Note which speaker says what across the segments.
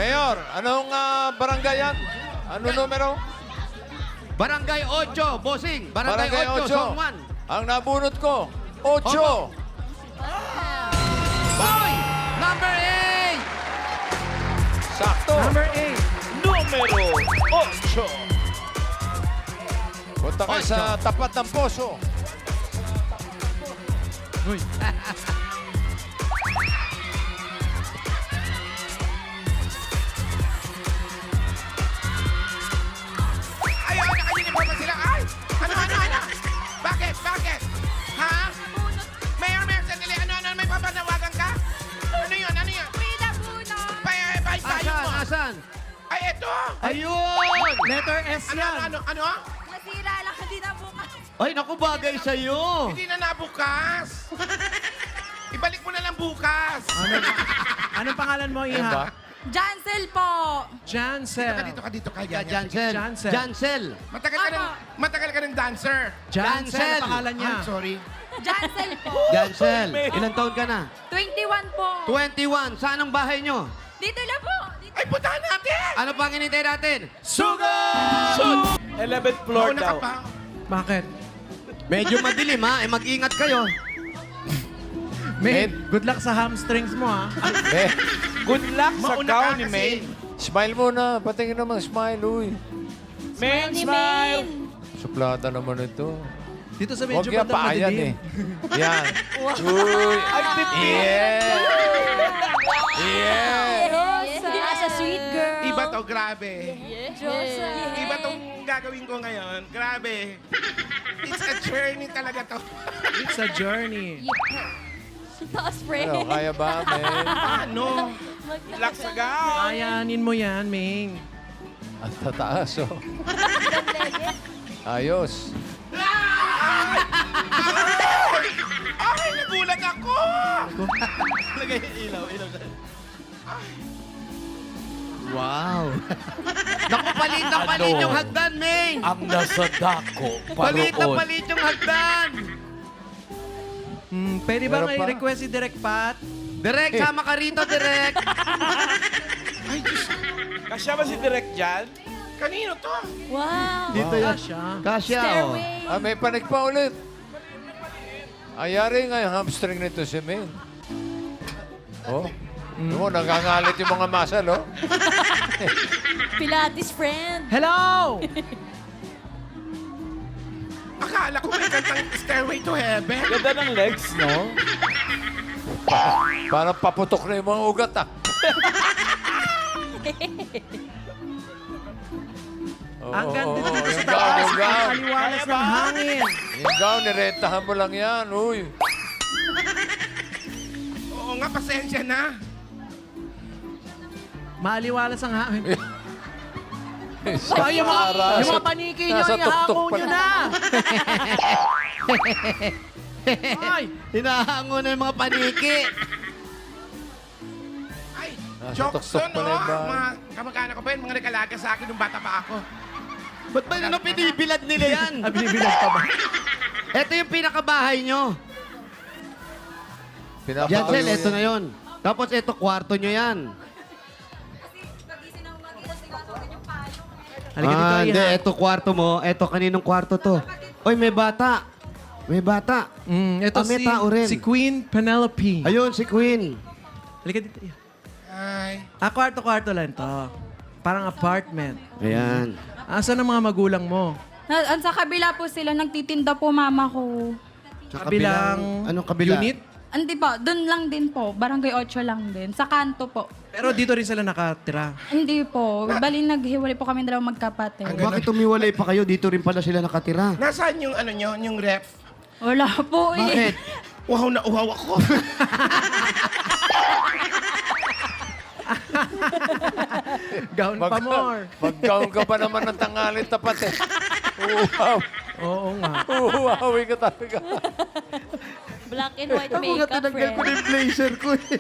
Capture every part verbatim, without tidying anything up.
Speaker 1: Mayor, anong ah, barangay yan? Ano numero?
Speaker 2: Barangay eight, bossing. Barangay,
Speaker 1: Barangay
Speaker 2: eight,
Speaker 1: eight.
Speaker 2: zone one.
Speaker 1: Ang nabunot ko, ocho.
Speaker 2: Boy, number eight.
Speaker 1: Sakto.
Speaker 3: Number eight.
Speaker 4: Numero ocho.
Speaker 1: Punta kayo sa tapat ng poso.
Speaker 3: Uy.
Speaker 5: Ay, ay, naka-uniform na sila. Ay! Ano, ano, ano? Bakit? Bakit? Ha? Mayor, Mayor, sandali. Ano, ano? May papanawagan ka? Ano yun? Ano yun?
Speaker 6: Frida Puno!
Speaker 5: Pay, pay, payo
Speaker 2: Asan,
Speaker 5: mo.
Speaker 2: asan?
Speaker 5: Ay, eto.
Speaker 2: Ayun!
Speaker 3: Letter S
Speaker 5: Ano,
Speaker 3: yan.
Speaker 5: ano, ano? ano?
Speaker 6: Nasira lang, hindi na bukas.
Speaker 2: Ay, naku, bagay sa'yo.
Speaker 5: Hindi na nabukas. Ibalik mo na lang bukas.
Speaker 3: Ano, anong pangalan mo,
Speaker 1: Ano ba?
Speaker 3: Iha?
Speaker 6: Jancel po!
Speaker 3: Jancel.
Speaker 5: Dito ka, dito ka, dito ka.
Speaker 2: Ka,
Speaker 5: Yan, yan.
Speaker 2: Jancel.
Speaker 3: Jancel.
Speaker 2: Jancel.
Speaker 5: Matagal ka ng, matagal ka ng dancer.
Speaker 3: Jancel.
Speaker 2: Jancel.
Speaker 3: ang pangalan niya.
Speaker 5: I'm sorry.
Speaker 6: Jancel po!
Speaker 2: Jancel. Ilang taon ka na?
Speaker 6: twenty-one po!
Speaker 2: twenty-one. Saan ang bahay nyo?
Speaker 6: Dito lang po! Dito.
Speaker 5: Ay, puntahan natin!
Speaker 2: Ano pang hinintay natin?
Speaker 3: Sugar!
Speaker 4: eleventh floor
Speaker 5: Mauna ka
Speaker 4: daw.
Speaker 5: pa.
Speaker 3: Bakit?
Speaker 2: Medyo madilim ha. Eh, mag-ingat kayo.
Speaker 3: May, good luck sa hamstrings mo, ha?
Speaker 1: Eh,
Speaker 4: Good luck sa
Speaker 5: Mauna
Speaker 4: gown
Speaker 5: ka
Speaker 4: ni
Speaker 5: kasi.
Speaker 4: May.
Speaker 1: smile muna. Patingin naman, smile, uy.
Speaker 4: Main
Speaker 6: Ni
Speaker 4: smile.
Speaker 6: Main.
Speaker 1: Suplada naman ito.
Speaker 3: Dito sa
Speaker 1: Huwag
Speaker 3: medyo
Speaker 1: yan,
Speaker 3: bandang
Speaker 1: paayan
Speaker 3: madilim.
Speaker 1: eh. Yan. Uy.
Speaker 4: Ay, pipi.
Speaker 1: Yeah. Yeah.
Speaker 6: Hindi ka sa sweet girl.
Speaker 5: Iba to, grabe.
Speaker 6: Diyosa.
Speaker 5: Iba tong gagawin ko ngayon. Grabe. It's a journey talaga to.
Speaker 3: It's a journey.
Speaker 6: Taas, friend.
Speaker 1: Ano, kaya ba, men?
Speaker 5: Ano?
Speaker 4: Good luck sa gown.
Speaker 3: Ayanin mo yan, Ming.
Speaker 1: Ang tataas, oh. Ayos.
Speaker 5: Ay, nagulat ako!
Speaker 4: Lagay yung ilaw, ilaw.
Speaker 2: Wow. Naku, palit na palit yung hagdan, Ming.
Speaker 4: Ang nasa dako,
Speaker 2: Palit na palit yung hagdan.
Speaker 3: Hmm, pwede ba
Speaker 1: Meron pa?
Speaker 3: i-request si Direk Pat?
Speaker 2: Direk, sama ka rito, Direk.
Speaker 4: Kasya ba si Direk dyan?
Speaker 5: Kanino to?
Speaker 6: Wow!
Speaker 2: Dito yan.
Speaker 3: Kasha.
Speaker 2: Kasya, oh.
Speaker 6: Stairway.
Speaker 1: Ah, may panik pa ulit. Ayari nga yung hamstring nito si Min. Oh. Mm. Oh, nangangalit yung mga muscle, oh.
Speaker 6: Pilates friend.
Speaker 3: Hello!
Speaker 5: Akala ko may kantang Stairway to Heaven.
Speaker 4: Ganda ng legs, no?
Speaker 1: Parang paputok na yung mga ugat, ah. Oo,
Speaker 3: Ang ganda
Speaker 1: oo,
Speaker 3: dito
Speaker 1: yung
Speaker 3: sa
Speaker 1: gown,
Speaker 3: taas.
Speaker 1: yung
Speaker 3: Ang
Speaker 1: gown.
Speaker 3: aliwalas ng hangin.
Speaker 1: Yung gown, nirentahan mo lang yan, uy.
Speaker 5: Oo nga, pasensya na.
Speaker 3: Maaliwalas ang hangin.
Speaker 1: Sa
Speaker 3: Ay, yung mga,
Speaker 1: aras.
Speaker 3: yung mga paniki nyo,
Speaker 1: Nasa tuktok
Speaker 3: ihango
Speaker 1: pa
Speaker 3: nyo
Speaker 1: lang.
Speaker 3: na. Ay,
Speaker 2: Hinahango na yung mga paniki.
Speaker 5: Ay,
Speaker 1: Nasa
Speaker 5: jokes
Speaker 1: tuktok
Speaker 5: yun,
Speaker 1: pa na
Speaker 5: no?
Speaker 1: yung bahay.
Speaker 5: Mga kamag-anak ko pa yun, mga nagalaga sa akin nung bata pa ako.
Speaker 2: Ba't ba nyo pinibilad nila yan?
Speaker 3: ah, binibilang pa ba?
Speaker 2: Ito yung pinakabahay nyo.
Speaker 1: Pinapatuloy
Speaker 2: Jancel, ito
Speaker 1: yan.
Speaker 2: na yon. Tapos ito, kwarto nyo yan.
Speaker 3: Halika dito,
Speaker 2: Ah, hindi.
Speaker 3: Iha.
Speaker 2: Ito kwarto mo. Ito, kaninong kwarto to? Oy, may bata. May bata.
Speaker 3: Mm, ito
Speaker 2: Ah, may
Speaker 3: si,
Speaker 2: tao rin.
Speaker 3: si Queen Penelope.
Speaker 2: Ayun, si Queen.
Speaker 3: Halika dito, Iha.
Speaker 5: Ay,
Speaker 3: Ah, kwarto-kwarto lang to. Parang apartment.
Speaker 2: Ayan.
Speaker 3: Asan ang mga magulang mo?
Speaker 6: Na, sa kabila po sila, nagtitinda po mama ko.
Speaker 2: Sa
Speaker 3: Kabilang
Speaker 2: Anong kabila?
Speaker 3: unit?
Speaker 6: Hindi po, doon lang din po. Barangay eight lang din. Sa kanto po.
Speaker 3: Pero dito rin sila nakatira.
Speaker 6: Hindi po. Bali, naghiwalay po kami dalawang magkapatid.
Speaker 2: Bakit tumiwalay pa kayo? Dito rin pala sila nakatira.
Speaker 5: nasaan yung ano nyo, yung ref?
Speaker 6: Wala po eh.
Speaker 2: Bakit?
Speaker 5: Uhaw na uhaw ako.
Speaker 3: Gown pa more.
Speaker 1: Mag-gown ka pa naman ng tangalit tapat, eh. Uhaw.
Speaker 3: Oo nga.
Speaker 1: Uhawi ka talaga.
Speaker 6: Black and white
Speaker 2: Ako nga tinanggal ko na yung blazer ko. eh.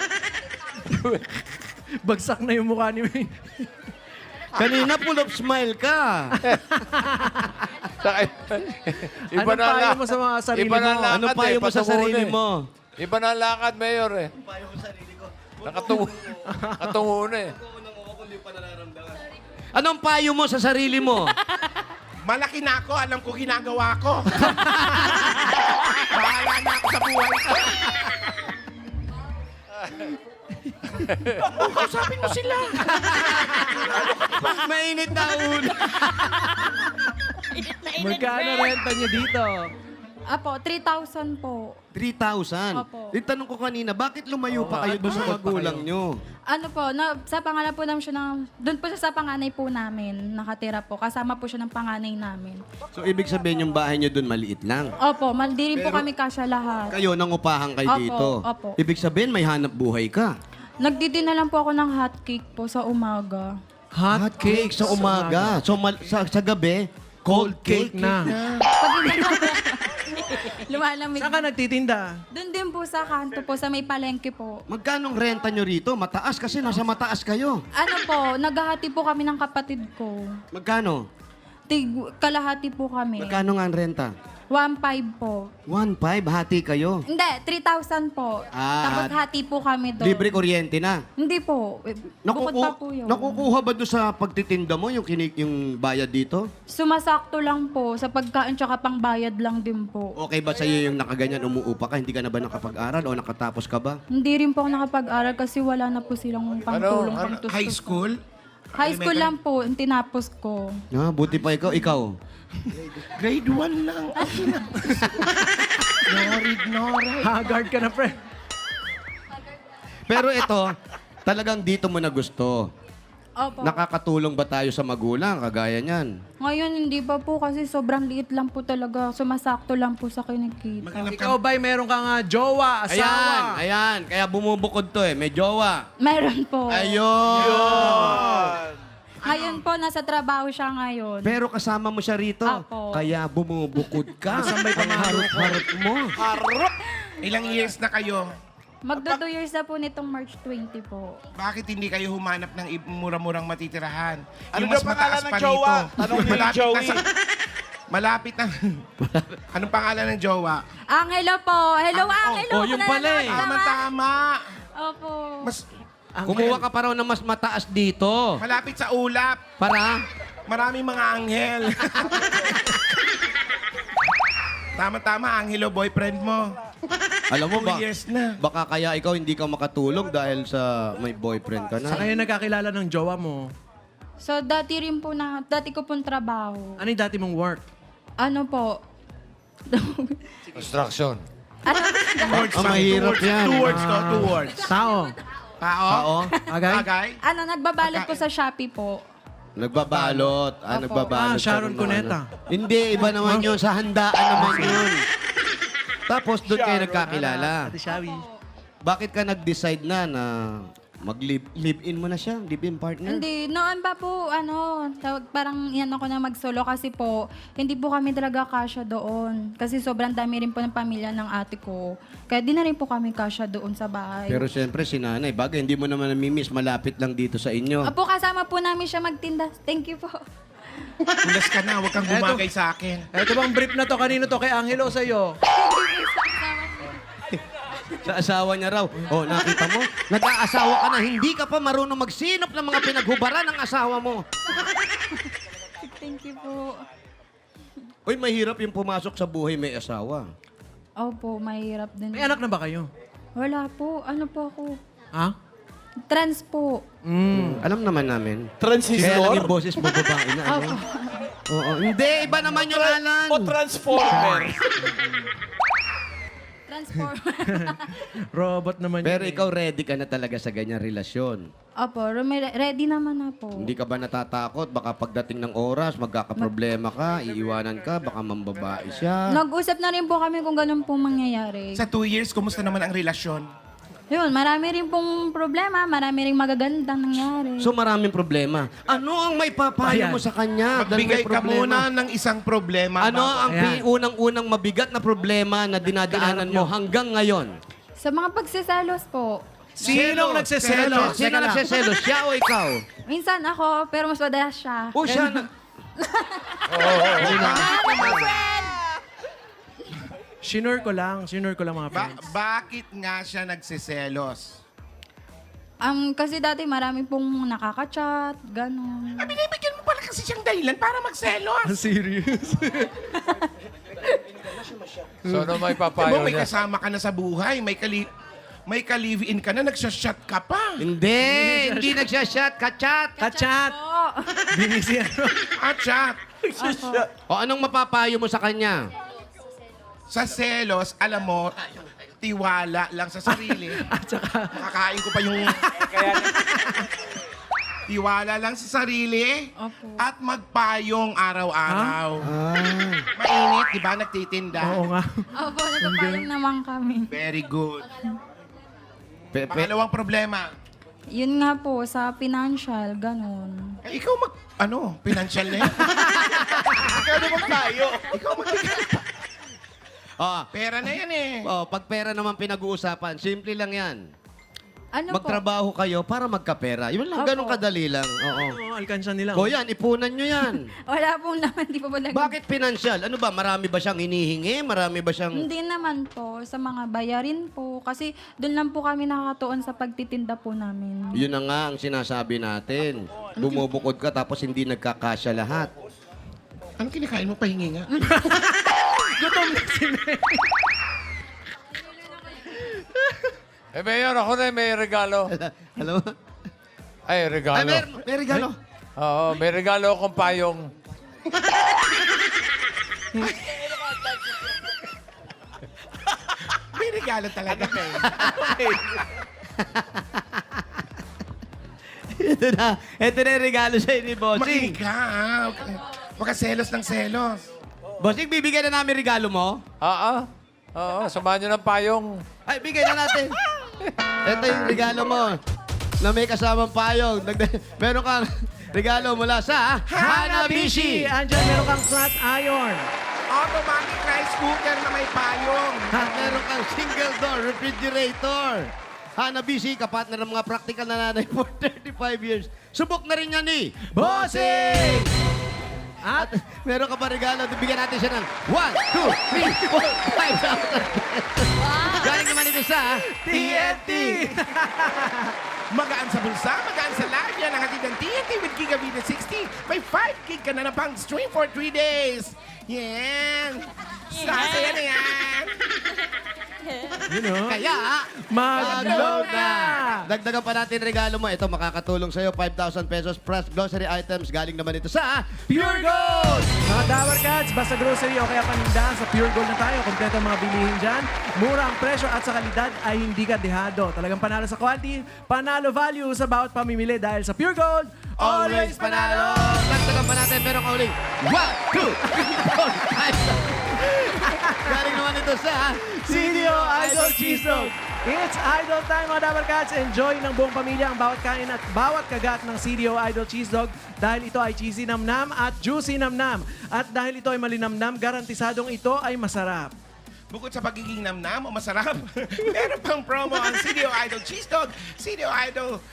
Speaker 3: Bagsak na yung mukha ni May.
Speaker 2: Kanina full of smile ka.
Speaker 1: Saka, iba
Speaker 3: Anong
Speaker 1: na
Speaker 3: payo
Speaker 1: la-
Speaker 3: mo sa mga sarili
Speaker 1: iba na
Speaker 3: mo?
Speaker 1: lakad,
Speaker 2: Ano
Speaker 1: eh,
Speaker 2: payo mo sa
Speaker 1: patungo
Speaker 2: sarili
Speaker 1: na, eh.
Speaker 2: mo?
Speaker 1: Iba na ang lakad, Mayor, eh. Payo mo sarili ko. Nakatungo. Nakatungo na, eh.
Speaker 2: Anong payo mo sa sarili mo?
Speaker 5: Malaki na ako, alam ko ginagawa ko. Bahala na ako sa buhay ko. Kausapin mo sila.
Speaker 2: Mainit na ulo.
Speaker 3: Magkano renta niyo dito?
Speaker 6: Apo, three thousand po.
Speaker 2: three thousand.
Speaker 6: Opo.
Speaker 2: Itanong ko kanina, bakit lumayo pa kayo doon sa magulang nyo?
Speaker 6: Ano po, na, sa pangalan po namin siya ng, doon po siya sa panganay po namin, nakatira po. Kasama po siya ng panganay namin.
Speaker 2: So, ibig sabihin yung bahay nyo doon maliit lang.
Speaker 6: Opo, maldi rin po kami kasya lahat.
Speaker 2: Kayo, nangupahan kayo
Speaker 6: Opo,
Speaker 2: dito.
Speaker 6: opo.
Speaker 2: Ibig sabihin, may hanap buhay ka.
Speaker 6: Nagdidina lang po ako ng hot cake po sa umaga.
Speaker 2: Hot cake sa umaga. So, mal- sa, sa gabi, cold cake
Speaker 3: na.
Speaker 6: Pag hindi lumalamig.
Speaker 3: Saan ka nagtitinda?
Speaker 6: Doon din po sa kanto po, sa may palengke po.
Speaker 2: Magkanong renta nyo rito? Mataas kasi nasa mataas kayo.
Speaker 6: Ano po, naghahati po kami ng kapatid ko.
Speaker 2: Magkano?
Speaker 6: Tig, kalahati po kami.
Speaker 2: Magkano nga ang renta?
Speaker 6: one five po.
Speaker 2: one five, hati kayo.
Speaker 6: Hindi, three thousand po.
Speaker 2: Ah,
Speaker 6: Tapos hati po kami doon.
Speaker 2: Libre kuryente na.
Speaker 6: Hindi po. Eh, Bukod pa po yun.
Speaker 2: Nakukuha ba doon sa pagtitinda mo yung, kinik yung bayad dito?
Speaker 6: Sumasakto lang po sa pagkain tsaka pangbayad lang din po.
Speaker 2: Okay ba sa'yo yung nakaganyan, umuupa ka? Hindi ka na ba nakapag-aral o nakatapos ka ba?
Speaker 6: Hindi rin po ako nakapag-aral kasi wala na po silang pangtulong,
Speaker 1: Ano?
Speaker 6: pangtustos.
Speaker 5: High school?
Speaker 6: High school lang po, yung tinapos ko.
Speaker 2: Ah, buti pa ikaw. Ikaw?
Speaker 5: Grade one lang. Norid, norid.
Speaker 3: Haggard ka na, pre.
Speaker 2: Pero ito, talagang dito mo na gusto.
Speaker 6: Opo.
Speaker 2: Nakakatulong ba tayo sa magulang, kagaya niyan?
Speaker 6: Ngayon, hindi pa po kasi sobrang liit lang po talaga. Sumasakto lang po sa kinikita.
Speaker 3: Ikaw ba'y meron kang ah, jowa,
Speaker 2: Ayan,
Speaker 3: asawa?
Speaker 2: ayan. Kaya bumubukod to eh. May jowa.
Speaker 6: Meron po.
Speaker 2: Ayun!
Speaker 6: Ngayon po, nasa trabaho siya ngayon.
Speaker 2: Pero kasama mo siya rito.
Speaker 6: Apo.
Speaker 2: Kaya bumubukod ka.
Speaker 3: Asan ba'y
Speaker 2: Ang harap-harap mo.
Speaker 5: Ilang years na kayo?
Speaker 6: Magdo two years na po nitong March twenty po.
Speaker 5: Bakit hindi kayo humanap ng i- mura-murang matitirahan?
Speaker 4: Ano
Speaker 5: Yung
Speaker 4: daw
Speaker 5: mas
Speaker 4: pangalan
Speaker 5: mataas
Speaker 4: ng
Speaker 5: pa
Speaker 4: jowa?
Speaker 5: rito.
Speaker 4: Tanong niyo yung
Speaker 5: Malapit
Speaker 4: Joey.
Speaker 5: na sa- Malapit na. Anong pangalan ng jowa?
Speaker 6: Angelo po. Hello, Angelo.
Speaker 3: oh, yung pala eh.
Speaker 5: Tama-tama.
Speaker 6: Opo.
Speaker 5: Mas
Speaker 2: Kumuha ka pa raw ng mas mataas dito.
Speaker 5: malapit sa ulap.
Speaker 2: Para?
Speaker 5: Maraming mga anghel. Tama-tama, Angelo, boyfriend mo.
Speaker 2: Alam mo
Speaker 5: Two
Speaker 2: ba?
Speaker 5: years na.
Speaker 2: Baka kaya ikaw hindi ka makatulog dahil sa may boyfriend ka
Speaker 3: Sa
Speaker 2: na.
Speaker 3: kayo nagkakilala ng jowa mo,
Speaker 6: So, dati rin po na, dati ko pong trabaho.
Speaker 3: ano yung dati mong work?
Speaker 6: Ano po?
Speaker 1: Construction.
Speaker 6: ano?
Speaker 5: Words,
Speaker 2: Ah, mahirap yan.
Speaker 5: Two words to, two words.
Speaker 3: Tao.
Speaker 5: Tao.
Speaker 2: Oo.
Speaker 3: Agay?
Speaker 5: Bagay.
Speaker 6: ano, nagbabalot po sa Shopee po.
Speaker 2: Nagbabalot. Ah,
Speaker 6: Opo.
Speaker 2: nagbabalot.
Speaker 3: Ah, Sharon
Speaker 2: ka ng mga
Speaker 3: Cuneta.
Speaker 2: ano. Hindi, iba naman yun. Sa handaan naman yun. Tapos doon kayo nagkakilala.
Speaker 3: Ate Shawi.
Speaker 2: Bakit ka nag-decide na na mag-live-in mo na siya? Live-in partner?
Speaker 6: Hindi, noon pa po, ano, tawag, parang yan ako na mag-solo kasi po, hindi po kami talaga kasya doon. Kasi sobrang dami rin po ng pamilya ng ate ko. Kaya di na rin po kami kasya doon sa bahay.
Speaker 2: Pero siyempre, si nanay, bagay, hindi mo naman namimiss, malapit lang dito sa inyo.
Speaker 6: Apo, kasama po namin siya magtinda. Thank you po.
Speaker 5: Tulas ka na, huwag kang bumagay sa akin.
Speaker 3: Ito bang brief na to? Kanino to? Kay Angelo o sa'yo?
Speaker 2: Sa asawa niya raw. Oh, nakita mo? Nag-aasawa ka na, hindi ka pa marunong magsinop ng mga pinaghubaran ng asawa mo.
Speaker 6: Thank you po.
Speaker 2: Uy, mahirap yung pumasok sa buhay may asawa.
Speaker 6: Opo, mahirap din.
Speaker 3: May anak na ba kayo?
Speaker 6: Wala po. Ano po ako?
Speaker 3: Ha?
Speaker 6: Trans po.
Speaker 3: Mm.
Speaker 2: Alam naman namin. Kaya lang
Speaker 4: Transistor?
Speaker 2: yung boses mo babae na, ano? Oo, hindi, iba naman yung Alan.
Speaker 4: O transformer?
Speaker 6: Transform.
Speaker 3: Robot naman
Speaker 2: Pero
Speaker 3: yun eh.
Speaker 2: ikaw ready ka na talaga sa ganyang relasyon.
Speaker 6: Opo, remi- ready naman na po.
Speaker 2: Hindi ka ba natatakot? Baka pagdating ng oras, magkakaproblema ka, iiwanan ka, baka mambabae siya.
Speaker 6: Nag-usap na rin po kami kung ganun po mangyayari.
Speaker 5: Sa two years, kumusta naman ang relasyon?
Speaker 6: Yun, marami rin pong problema, marami rin magagandang nangyari.
Speaker 2: So maraming problema. Ano ang may papayo
Speaker 3: Ayan.
Speaker 2: mo sa kanya? Dahil
Speaker 5: Magbigay
Speaker 2: may
Speaker 5: ka
Speaker 2: problema.
Speaker 5: muna ng isang problema.
Speaker 2: Ano
Speaker 5: bago-
Speaker 2: ang
Speaker 3: Ayan.
Speaker 2: pi- unang-unang mabigat na problema na dinadaanan mo hanggang ngayon?
Speaker 6: Sa mga pagsiselos po,
Speaker 3: Sinong nagseselos?
Speaker 2: Sino nagseselos? Siya o ikaw?
Speaker 6: minsan ako, pero mas madalas siya.
Speaker 2: O siya na...
Speaker 3: Shinure ko lang. Shinure ko lang mga
Speaker 5: Ba-
Speaker 3: friends.
Speaker 5: bakit nga siya nagsiselos?
Speaker 6: Um, kasi dati marami pong nakaka-chat, gano'n.
Speaker 5: Ah, binibigyan mo pala kasi siyang dahilan para magselos.
Speaker 3: Serious?
Speaker 1: So, ano may
Speaker 5: Alam
Speaker 1: papayo
Speaker 5: mo, may
Speaker 1: niya?
Speaker 5: kasama ka na sa buhay. May kali may ka-live-in ka na, nagsashot ka pa.
Speaker 2: Hindi, hindi nagsashot, kachat.
Speaker 3: Kachat!
Speaker 6: Po.
Speaker 3: Binisi ano?
Speaker 5: At chat.
Speaker 2: O anong mapapayo mo sa kanya?
Speaker 5: Sa selos, alam mo, tiwala lang sa sarili.
Speaker 3: At saka,
Speaker 5: Makakain ko pa yung... Tiwala lang sa sarili.
Speaker 6: Opo.
Speaker 5: At magpayong araw-araw. Mainit, di ba? Nagtitinda.
Speaker 3: oo nga.
Speaker 6: Opo, nagpapayong naman kami.
Speaker 5: Very good.
Speaker 2: Pe, pe,
Speaker 5: Pangalawang problema.
Speaker 6: Yun nga po, sa financial, gano'n.
Speaker 5: Eh, ikaw mag... Ano? Financial na yan?
Speaker 4: Ikaw naman tayo.
Speaker 5: Ikaw mag...
Speaker 2: ah,
Speaker 5: Pera na yan eh.
Speaker 2: oh, pag pera naman pinag-uusapan, simple lang yan.
Speaker 6: Ano po?
Speaker 2: Magtrabaho kayo para magkapera. Yun lang,
Speaker 6: Opo.
Speaker 2: ganun kadali lang. Oo.
Speaker 3: Oo, alkansya nila.
Speaker 2: O yan, ipunan nyo yan.
Speaker 6: Wala pong naman, di pa po nag-
Speaker 2: Bakit financial? Ano ba, marami ba siyang hinihingi? Marami ba siyang...
Speaker 6: Hindi naman po, sa mga bayarin po. Kasi doon lang po kami nakakatuon sa pagtitinda po namin.
Speaker 2: Yun na nga ang sinasabi natin. Bumubukod ka tapos hindi nagkakasya lahat.
Speaker 5: Anong kinakain mo? Pahingi nga.
Speaker 1: Eh, Mayor, ako na may regalo.
Speaker 2: Alam mo?
Speaker 1: Ay,
Speaker 2: Ay,
Speaker 1: regalo.
Speaker 2: may, may regalo.
Speaker 1: Oo, may regalo akong payong.
Speaker 5: May regalo talaga.
Speaker 2: Ito na. Ito na yung regalo sa'yo ni Bossing.
Speaker 5: Makinig ka, ah. Huwag ka selos ng selos.
Speaker 2: Bossing, bibigyan na namin regalo mo?
Speaker 1: Oo. Oo, samahan nyo ng payong.
Speaker 2: Ay, bigay na natin. Ito yung regalo mo na may kasamang payong. Dagdag- Meron kang regalo mula sa Hanabishi.
Speaker 3: Andyan, meron kang flat iron.
Speaker 5: Automatic rice cooker na may payong.
Speaker 2: At meron kang single door refrigerator. Hanabishi, kapatner ng mga practical na nanay for thirty-five years. Subok na rin yan ni Bossing! At meron ka pa regalo, bigyan natin siya ng one, two, three, four, five thousand Galing naman ito sa T N T!
Speaker 5: Magaan sa bulsa, magaan sa live. Yan ang hatid ng T N T with Gigabit sixty. May five gig ka na na pang stream for three days. Yan. Sasaya na yan.
Speaker 3: You know?
Speaker 2: Kaya,
Speaker 3: Mag-load na!
Speaker 2: dagdagan pa natin regalo mo. Ito, makakatulong sa'yo, five thousand pesos plus grocery items. Galing naman ito sa
Speaker 3: Pure Gold! Mga Dower Cats, basta grocery o kaya panindahan, sa Pure Gold na tayo. Kompleto ang mga bilihin dyan. Mura ang presyo at sa kalidad ay hindi ka dehado. Talagang panalo sa quality, panalo value sa bawat pamimili dahil sa Pure Gold,
Speaker 2: Always Panalo! Dagdagan pa natin, pero kauling one, two, three, four, five Galing naman ito sa
Speaker 3: C D O Idol Cheese Dog. It's Idol time mga Dower Cats. Enjoy ng buong pamilya ang bawat kain at bawat kagat ng C D O Idol Cheese Dog dahil ito ay cheesy namnam at juicy namnam. At dahil ito ay malinamnam, garantisadong ito ay masarap.
Speaker 5: Bukod sa pagiging namnam o masarap, meron pang promo ang C D O Idol Cheese Dog, C D O Idol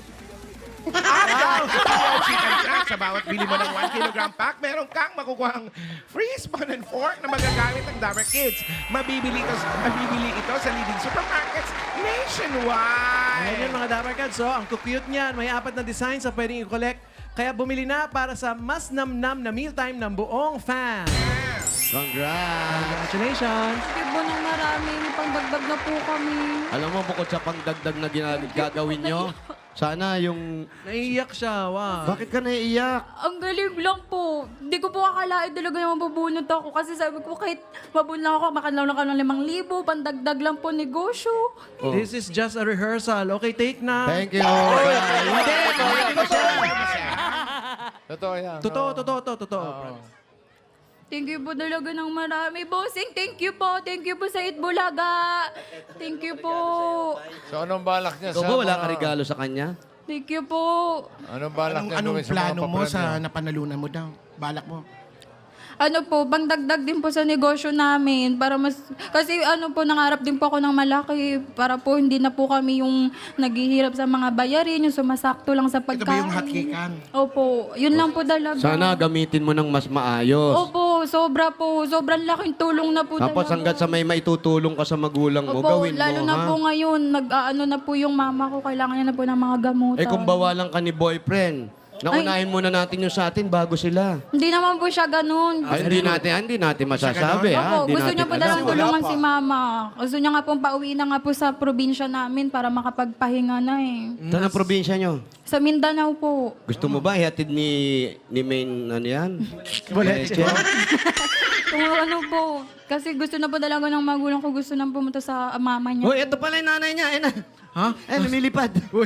Speaker 5: Idol Chicken Crack. Sa bawat bili mo ng one kilogram pack, meron kang makukuhang free spoon and fork na magagamit ng Dower Kids. Mabibili ito, mabibili ito sa leading supermarkets nationwide.
Speaker 3: Ayan yun mga Dower Cats. So, ang cute niyan. May apat na designs na pwedeng i-collect. Kaya bumili na para sa mas namnam na mealtime ng buong fan.
Speaker 2: Congrats!
Speaker 3: Congratulations!
Speaker 6: Sige po nang marami, may pangdagdag na po kami.
Speaker 2: Alam mo, bukod sa pangdagdag na gina- gagawin nyo, sana yung...
Speaker 3: Naiiyak siya. Wow.
Speaker 2: Bakit ka naiiyak?
Speaker 6: Ang galing lang po. Hindi ko po akalain talaga yung mabubunot ako. Kasi sabi ko, kahit mabunot lang ako, makalaw lang ako ng limang libo, pandagdag lang po negosyo.
Speaker 2: Oh.
Speaker 3: This is just a rehearsal. Okay, take na.
Speaker 2: Thank you. Hindi, pwede ko siya.
Speaker 1: Totoo yan.
Speaker 3: Totoo,
Speaker 1: Oo.
Speaker 3: totoo, totoo, totoo.
Speaker 6: Thank you po talaga ng marami. Bossing, thank you po. Thank you po sa Itbulaga. Thank you po.
Speaker 1: So, anong balak niya
Speaker 2: Ikaw
Speaker 1: sa
Speaker 2: ba wala
Speaker 1: mga-
Speaker 2: ka regalo sa kanya?
Speaker 6: Thank you po.
Speaker 1: Anong balak
Speaker 5: Anong,
Speaker 1: niya
Speaker 5: anong
Speaker 1: gawin sa mga
Speaker 5: plano mo
Speaker 1: papremyo?
Speaker 5: sa napanalunan mo daw? Balak mo?
Speaker 6: Ano po, pangdagdag din po sa negosyo namin para mas kasi ano po nangarap din po ako ng malaki para po hindi na po kami yung naghihirap sa mga bayarin, yung sumasakto lang sa
Speaker 5: Ito ba
Speaker 6: pagkain.
Speaker 5: yung hotcakean?
Speaker 6: Opo, yun lang po talaga.
Speaker 2: Sana gamitin mo ng mas maayos.
Speaker 6: Opo, po, sobra po. Sobrang laking tulong na po
Speaker 2: Tapos
Speaker 6: talaga.
Speaker 2: hanggat sa may maitutulong ka sa magulang mo,
Speaker 6: Opo,
Speaker 2: gawin
Speaker 6: lalo
Speaker 2: mo,
Speaker 6: na
Speaker 2: ha?
Speaker 6: po ngayon, nag-ano na po yung mama ko, kailangan niya na po ng mga gamutan.
Speaker 2: Eh kung bawalan ka ni boyfriend, naunahin muna natin yung sa atin bago sila.
Speaker 6: Hindi naman po siya ganun.
Speaker 2: Ay, hindi natin, hindi natin masasabi, ha?
Speaker 6: Opo,
Speaker 2: Hindi
Speaker 6: gusto
Speaker 2: natin
Speaker 6: niya po
Speaker 2: alam.
Speaker 6: dalang tulungan si mama. Gusto niya nga pong pauwi na nga po sa probinsya namin para makapagpahinga na eh.
Speaker 2: Saan ang probinsya nyo?
Speaker 6: Sa Mindanao po.
Speaker 2: Gusto mo ba ihatid ni, ni Main, ano yan?
Speaker 3: Boleche.
Speaker 6: Kung ano po. Kasi gusto na po talaga ng magulang ko. Gusto na pumunta sa mama niya.
Speaker 2: Uy, ito pala yung nanay niya. Ayun na.
Speaker 3: Ha?
Speaker 2: Eh, lumilipad.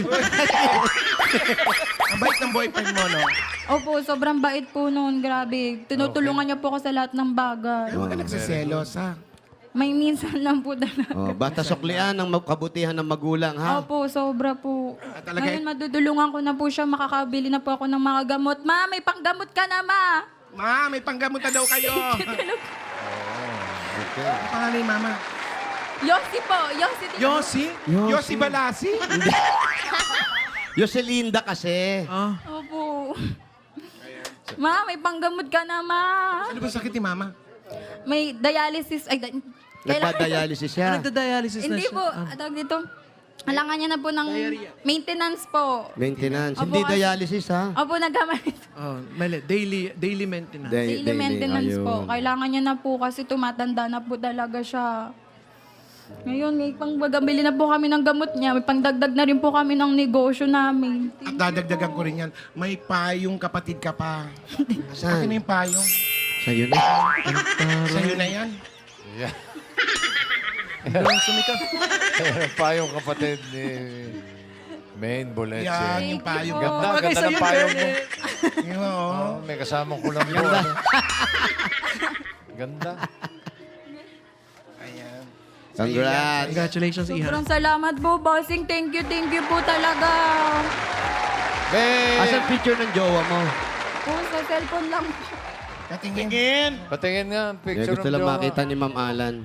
Speaker 5: Ang bait ng boyfriend mo, no?
Speaker 6: Opo, sobrang bait po noon. Grabe. Tinutulungan niya po ako sa lahat ng bagay.
Speaker 5: Huwag ka nagsiselos, ha?
Speaker 6: May minsan lang po talaga.
Speaker 2: Oh, basta suklian ang kabutihan ng magulang, ha?
Speaker 6: Opo, sobra po.
Speaker 5: talaga-
Speaker 6: Ngayon, madudulungan ko na po siya. Makakabili na po ako ng mga gamot. Ma, may panggamot ka na, ma!
Speaker 5: Ma, may panggamot na daw kayo.
Speaker 1: Okay.
Speaker 5: Ang pangalan ni Mama?
Speaker 6: Yossi po, Yossi.
Speaker 3: Yossi?
Speaker 5: Yossi Balasi?
Speaker 2: Yoselinda kasi.
Speaker 3: Ah.
Speaker 6: Opo. Ma, may panggamot ka na, ma.
Speaker 5: Ano ba sakit ni Mama?
Speaker 6: May dialysis. Ay, da- kailangan-
Speaker 2: Nagpa-dialysis siya.
Speaker 3: Nagda-dialysis na
Speaker 6: Hindi
Speaker 3: siya.
Speaker 6: po.
Speaker 3: Ah.
Speaker 6: Tawag dito. Kailangan niya na po ng maintenance po.
Speaker 2: Maintenance.
Speaker 6: Opo,
Speaker 2: Hindi
Speaker 6: kasi-
Speaker 2: dialysis, ha?
Speaker 6: Opo, nagkamali.
Speaker 3: Oh, mali. Daily, daily maintenance.
Speaker 2: Day-
Speaker 6: Daily maintenance
Speaker 2: ayun.
Speaker 6: po. Kailangan niya na po kasi tumatanda na po talaga siya. Ngayon, may pangbagabili na po kami ng gamot niya. May pangdagdag na rin po kami ng negosyo namin.
Speaker 5: At dadagdagan ko rin yan. May payong kapatid ka pa. Akin
Speaker 2: Saan?
Speaker 5: na yung payong.
Speaker 2: Sa'yo na.
Speaker 5: Sa'yo na yan.
Speaker 1: Yeah.
Speaker 3: Doon sumikap.
Speaker 1: Ayan pa yung kapatid ni Main Boleche.
Speaker 5: Yan, yung payong.
Speaker 1: Ganda,
Speaker 3: Bagay
Speaker 1: ganda
Speaker 3: sa'yo,
Speaker 1: ng payong mo.
Speaker 3: Bernard.
Speaker 5: Yun, oo.
Speaker 1: Oh, may kasamang kulang mo. Ganda. Ganda.
Speaker 5: Ayan.
Speaker 2: Congrats.
Speaker 3: Congratulations, Iha.
Speaker 6: Sobrang salamat po, bossing. Thank you, thank you po talaga.
Speaker 1: May...
Speaker 2: Asan picture ng jowa mo?
Speaker 6: Po, sa cellphone lang po.
Speaker 5: Katingin.
Speaker 1: Patingin nga ang
Speaker 2: Kaya
Speaker 1: picture
Speaker 2: gusto
Speaker 1: ng
Speaker 2: lang
Speaker 1: jowa.
Speaker 2: makita ni Ma'am Alan.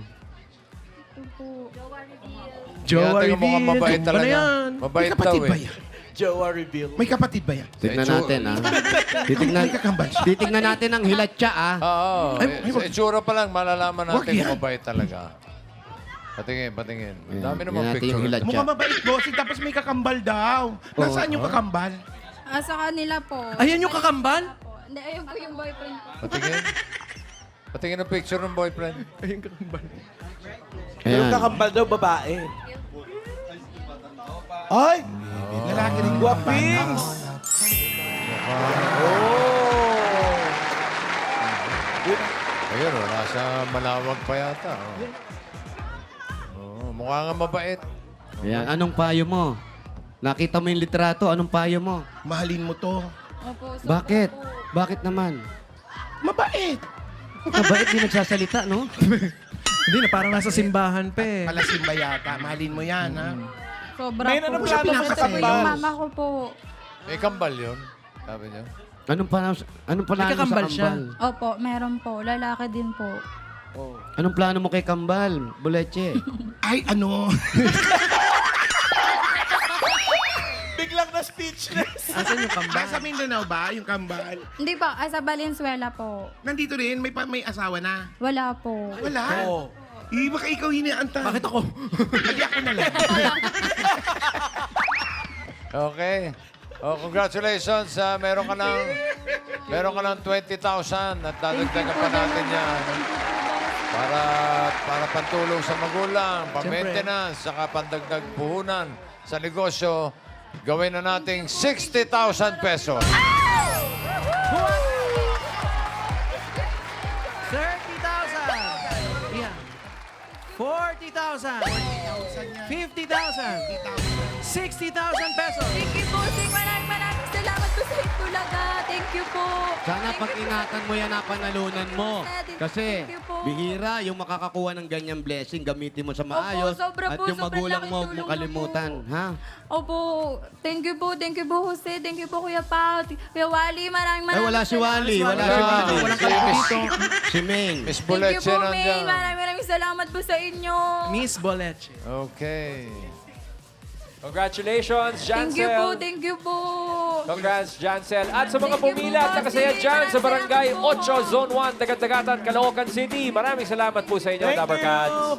Speaker 3: Jowa
Speaker 1: Kaya tingnan mo
Speaker 3: reveal.
Speaker 1: mukhang mabait
Speaker 3: Ano
Speaker 1: talaga.
Speaker 3: yan?
Speaker 5: May
Speaker 1: Mabait daw
Speaker 5: kapatid ba
Speaker 1: eh.
Speaker 5: yan?
Speaker 4: Jowa reveal.
Speaker 5: May kapatid ba yan?
Speaker 2: Tignan
Speaker 1: Sa
Speaker 2: natin, ha? Titignan,
Speaker 5: May kakambal siya.
Speaker 2: titignan natin ang hilatsa, ha?
Speaker 1: Oo.
Speaker 5: Ay,
Speaker 1: eh,
Speaker 5: ay,
Speaker 1: sa itsura pa lang, malalaman
Speaker 5: Wag
Speaker 1: natin kung
Speaker 5: yan.
Speaker 1: mabait talaga. Patingin, patingin. Ang dami
Speaker 2: Yan,
Speaker 1: naman
Speaker 2: yan natin yung
Speaker 1: picture.
Speaker 2: hilatsa.
Speaker 5: Mukhang mabait, bossing. Tapos may kakambal daw. Nasaan yung kakambal?
Speaker 6: Ah, sa kanila po.
Speaker 3: Ayan yung kakambal?
Speaker 6: Po. Hindi, ayun po yung boyfriend ko.
Speaker 1: Patingin. Patingin ang picture ng boyfriend.
Speaker 3: Ayun kakambal.
Speaker 4: Pero
Speaker 2: Ayan.
Speaker 4: kakambal daw babae. Ay!
Speaker 5: Lalaki rin.
Speaker 4: Guwaping!
Speaker 1: Ayun, oh, nasa Malawag pa yata. Oh. Oh, mukha nga mabait.
Speaker 2: Ayan, anong payo mo? Nakita mo yung litrato, anong payo mo?
Speaker 5: Mahalin mo to.
Speaker 6: Opo, so
Speaker 2: Bakit? Bakit naman?
Speaker 5: Mabait.
Speaker 2: Mabait din nagsasalita, no?
Speaker 3: Hindi na, parang nasa simbahan pa eh.
Speaker 5: Palasimba yata. Mahalin mo yan, ha?
Speaker 6: sobra
Speaker 4: May
Speaker 6: po.
Speaker 4: nanong
Speaker 5: siya
Speaker 4: plano mo sa
Speaker 5: pinakasal.
Speaker 6: Ito po
Speaker 4: kambal.
Speaker 6: yung mama ko po.
Speaker 1: May kambal yun. Sabi niya.
Speaker 2: Anong plano, anong plano mo sa
Speaker 3: kakambal
Speaker 2: kambal?
Speaker 3: siya.
Speaker 6: Opo, meron po. Lalaki din po.
Speaker 2: Anong plano mo kay kambal, Boleche?
Speaker 5: Ay, ano?
Speaker 4: Biglang na speechless.
Speaker 3: Asan yung kambal?
Speaker 5: Nasa Mindanao ba yung kambal?
Speaker 6: Hindi po, ah, sa Valenzuela po.
Speaker 5: Nandito rin, may, pa- may asawa na.
Speaker 6: Wala po.
Speaker 5: Wala.
Speaker 4: Oo.
Speaker 5: Eh, baka ikaw hiniantan.
Speaker 3: Bakit ako?
Speaker 5: Hindi ako na lang.
Speaker 1: Okay. Oh, congratulations. ah, meron ka ng meron ka ng twenty thousand at dadagdagan pa natin yan. Para para pantulong sa magulang, pa-maintenance, saka pandagdag puhunan sa negosyo. Gawin na nating sixty thousand pesos.
Speaker 3: thirty thousand. Iha. forty thousand. fifty thousand. sixty thousand pesos.
Speaker 6: Thank you po, Sing. Maraming maraming salamat po sa Itbulaga. Thank you po.
Speaker 2: Sana
Speaker 6: Thank you po.
Speaker 2: pag-ingatan mo yan ang panalunan mo. Kasi
Speaker 6: Thank you po.
Speaker 2: bihira yung makakakuha ng ganyang blessing, gamitin mo sa maayos.
Speaker 6: sobra
Speaker 2: at
Speaker 6: po,
Speaker 2: yung
Speaker 6: sobrang
Speaker 2: magulang
Speaker 6: laking
Speaker 2: mo, huwag
Speaker 6: tulong
Speaker 2: mong
Speaker 6: na
Speaker 2: kalimutan. Ha?
Speaker 6: Opo, thank you po, thank you po, Jose. Thank you po, Kuya Pao. Kuya Wally, maraming
Speaker 2: Ay,
Speaker 6: maraming
Speaker 2: wala si
Speaker 6: salamat.
Speaker 2: Wally. Wala si
Speaker 1: Wala.
Speaker 2: Wally.
Speaker 1: Walang
Speaker 2: Si
Speaker 1: kalbo
Speaker 2: Miss-
Speaker 1: dito.
Speaker 2: Si Maine.
Speaker 1: Miss
Speaker 6: Thank you
Speaker 1: Boleche
Speaker 6: po,
Speaker 1: nandiyan.
Speaker 6: May. Maraming maraming salamat po sa inyo.
Speaker 3: Miss Boleche.
Speaker 1: Okay.
Speaker 7: Congratulations,
Speaker 6: Thank you po,
Speaker 7: Jancel.
Speaker 6: thank you po.
Speaker 7: Congrats, Jancel. At sa mga
Speaker 6: Thank you po,
Speaker 7: pumila at nakasaya
Speaker 6: bossing.
Speaker 7: dyan sa
Speaker 6: Maraming
Speaker 7: Barangay
Speaker 6: salamat po.
Speaker 7: eight, Zone one, Dagat-Dagatan, Caloocan City. Maraming salamat po sa inyo,
Speaker 4: Thank
Speaker 7: Dabarkads.
Speaker 4: you!